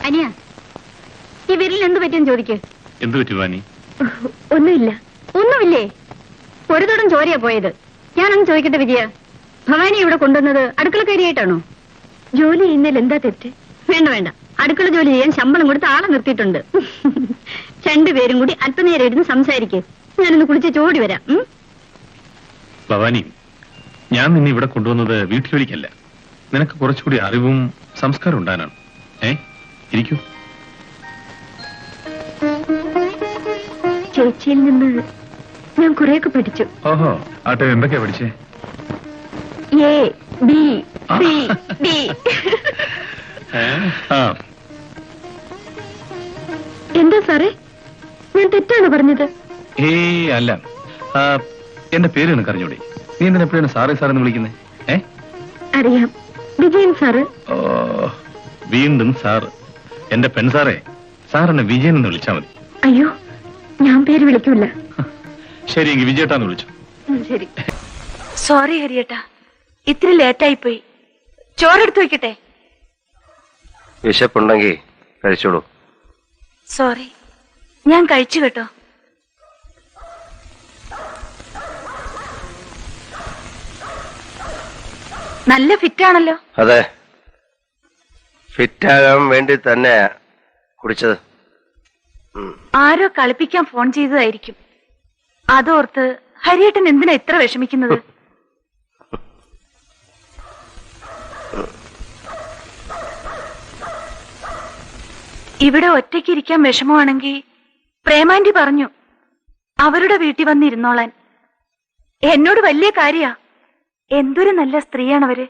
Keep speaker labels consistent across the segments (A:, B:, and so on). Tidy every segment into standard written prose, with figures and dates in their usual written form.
A: അനിയ, ഈ വിരലിൽ എന്ത് പറ്റിയെന്ന് ചോദിക്ക്.
B: എന്ത് പറ്റി വാനി?
A: ഒന്നുമില്ല. ഒന്നുമില്ലേ? ഒരു തുടം ചോരയാ പോയത്. ഞാനൊന്ന് ചോദിക്കട്ടെ വിജയ, ഭവാനി ഇവിടെ കൊണ്ടുവന്നത് അടുക്കളക്കാരിയായിട്ടാണോ? ജോലി ചെയ്യുന്നതിൽ എന്താ തെറ്റ്? വേണ്ട വേണ്ട, അടുക്കള ജോലി ചെയ്യാൻ ശമ്പളം കൊടുത്ത് ആളെ നിർത്തിയിട്ടുണ്ട്. രണ്ടുപേരും കൂടി അല്പനേരം ഇരുന്ന് സംസാരിക്കേ. ഞാനൊന്ന് കുളിച്ച് ചോടി വരാം.
B: ഭവാനി, ഞാൻ നിന്നെ ഇവിടെ കൊണ്ടുവന്നത് വീട്ടുജോലിക്കല്ല, നിനക്ക് കുറച്ചുകൂടി അറിവും സംസ്കാരം ഉണ്ടാകാനാണ്. ഇരിക്കൂ.
A: ചേച്ചിയിൽ നിന്ന് ഞാൻ കുറെയൊക്കെ പഠിച്ചു.
B: ഓഹോ, ആട്ടെ, എന്തൊക്കെയാ പഠിച്ചേ?
A: A B C D. എന്താ സാറേ, ഞാൻ തെറ്റാണ് പറഞ്ഞത്?
B: അല്ല, എന്റെ പേര് നിനക്ക് അറിഞ്ഞൂടെ? നീ എന്തിനാ എപ്പോഴാണ് സാറേ സാറെന്ന് വിളിക്കുന്നേ?
A: അറിയാം, വിജയൻ സാറ്.
B: ഓ, വീണ്ടും സാറ്. എന്റെ പെൺസാറേ, സാർ എന്നെ വിജയൻ എന്ന് വിളിച്ചാ മതി.
A: അയ്യോ, ഞാൻ പേര് വിളിക്കൂല.
B: ശരി, എങ്കിൽ വിജയേട്ടാന്ന് വിളിച്ചു.
A: ശരി.
C: സോറി ഹരിയേട്ടാ, ഇത്തിരി ലേറ്റായി പോയി. ചോറെടുത്ത് വെക്കട്ടെ?
D: വിശപ്പുണ്ടെങ്കിൽ കഴിച്ചോളൂ.
C: സോറി, ഞാൻ കഴിച്ചു കേട്ടോ. നല്ല ഫിറ്റാണല്ലോ.
D: അതെ, ഫിറ്റാകാൻ വേണ്ടി തന്നെ കുടിച്ചത്.
C: ആരോ കളിപ്പിക്കാൻ ഫോൺ ചെയ്തതായിരിക്കും. അതോർത്ത് ഹരിയേട്ടൻ എന്തിനാ ഇത്ര വിഷമിക്കുന്നത്? ഇവിടെ ഒറ്റയ്ക്ക് ഇരിക്കാൻ വിഷമമാണെങ്കിൽ പ്രേമാന്റി പറഞ്ഞു അവരുടെ വീട്ടിൽ വന്നിരുന്നോളാൻ. എന്നോട് വലിയ കാര്യാ. എന്തൊരു നല്ല സ്ത്രീയാണവര്.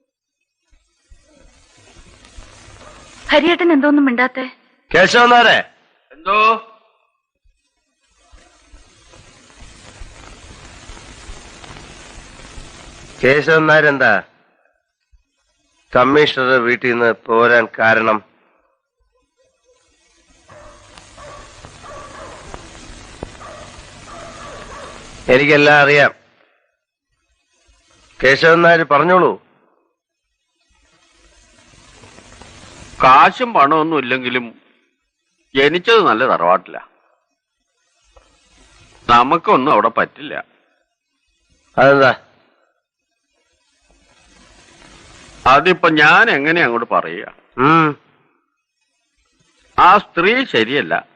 C: ഹരിയേട്ടൻ എന്തോന്നും മിണ്ടാത്തെ?
D: കേശവനാരെ, എന്തോ? കേശവനാരെന്താ കമ്മീഷണറുടെ വീട്ടിൽ നിന്ന് പോരാൻ കാരണം? എനിക്കെല്ലാം അറിയാം. കേശവനാര് പറഞ്ഞോളൂ.
E: കാശും പണമൊന്നും ഇല്ലെങ്കിലും ജനിച്ചത് നല്ല തറവാട്ടില്ല. നമുക്കൊന്നും അവിടെ പറ്റില്ല.
D: അതെന്താ?
E: അതിപ്പോ ഞാൻ എങ്ങനെ അങ്ങോട്ട് പറയുക? ആ സ്ത്രീ ശരിയല്ല.